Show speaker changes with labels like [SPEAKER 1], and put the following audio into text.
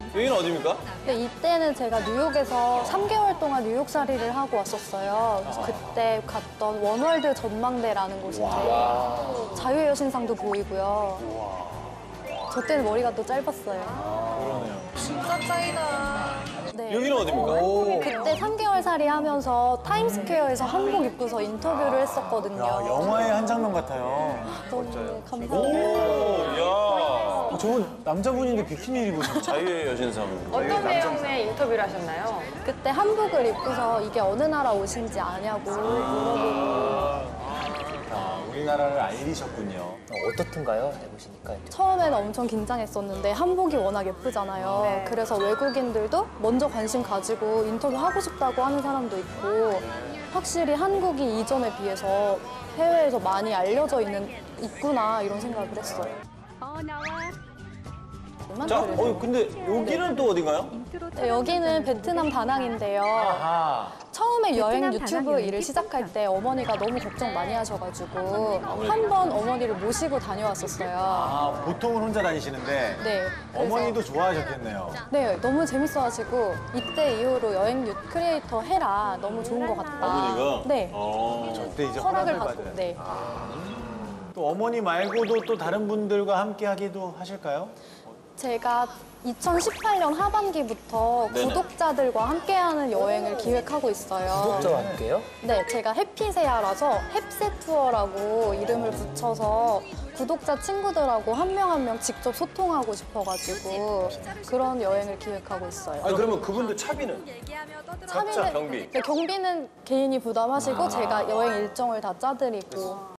[SPEAKER 1] 여기는 어디입니까?
[SPEAKER 2] 근데 이때는 제가 뉴욕에서 3개월 동안 뉴욕살이를 하고 왔었어요. 그래서 그때 갔던 원월드 전망대라는 곳인데 자유의 여신상도 보이고요. 저 때는 머리가 또 짧았어요.
[SPEAKER 3] 진짜 짱이다.
[SPEAKER 2] 네.
[SPEAKER 1] 여기는 어디입니까?
[SPEAKER 2] 그때 3개월 살이 하면서 타임스퀘어에서 한복 입고서 인터뷰를 했었거든요.
[SPEAKER 4] 야, 영화의 한 장면 같아요.
[SPEAKER 2] 너무 감사합니다.
[SPEAKER 1] 오, 야.
[SPEAKER 4] 저 남자분인데 비키니 입으셨죠?
[SPEAKER 1] 자유의 여신상.
[SPEAKER 3] 어떤 내용의 인터뷰를 하셨나요?
[SPEAKER 2] 그때 한복을 입고서 이게 어느 나라 옷인지 아냐고 물어보고
[SPEAKER 4] 우리나라를 알리셨군요.
[SPEAKER 5] 어떻든가요? 해보시니까.
[SPEAKER 2] 처음에는 엄청 긴장했었는데 한복이 워낙 예쁘잖아요.
[SPEAKER 3] 네.
[SPEAKER 2] 그래서 외국인들도 먼저 관심 가지고 인터뷰하고 싶다고 하는 사람도 있고 확실히 한국이 이전에 비해서 해외에서 많이 알려져 있구나 이런 생각을 했어요.
[SPEAKER 1] 자, 근데 여기는 또 어딘가요?
[SPEAKER 2] 네, 여기는 베트남 다낭인데요.
[SPEAKER 4] 아하.
[SPEAKER 2] 처음에 여행 유튜브 일을 시작할 때 어머니가 너무 걱정 많이 하셔가지고 한 번 어머니를 모시고 다녀왔었어요.
[SPEAKER 4] 아, 보통은 혼자 다니시는데
[SPEAKER 2] 네. 그래서
[SPEAKER 4] 어머니도 좋아하셨겠네요.
[SPEAKER 2] 네, 너무 재밌어가지고 이때 이후로 여행 크리에이터 해라. 너무 좋은 것 같다.
[SPEAKER 1] 어머니가?
[SPEAKER 2] 네.
[SPEAKER 4] 그때 이제
[SPEAKER 2] 허락을
[SPEAKER 4] 허락을
[SPEAKER 2] 받고.
[SPEAKER 4] 받은.
[SPEAKER 2] 네.
[SPEAKER 4] 또 어머니 말고도 또 다른 분들과 함께 하기도 하실까요?
[SPEAKER 2] 제가 2018년 하반기부터
[SPEAKER 1] 네네.
[SPEAKER 2] 구독자들과 함께하는 여행을 기획하고 있어요.
[SPEAKER 5] 구독자와 함께요?
[SPEAKER 2] 네, 제가 해피세아라서 햅세 투어라고 이름을 붙여서 구독자 친구들하고 한 명 한 명 직접 소통하고 싶어가지고 그런 여행을 기획하고 있어요.
[SPEAKER 1] 아니, 그러면 그분들 차비는? 각자 경비.
[SPEAKER 2] 네, 경비는 개인이 부담하시고 제가 여행 일정을 다 짜드리고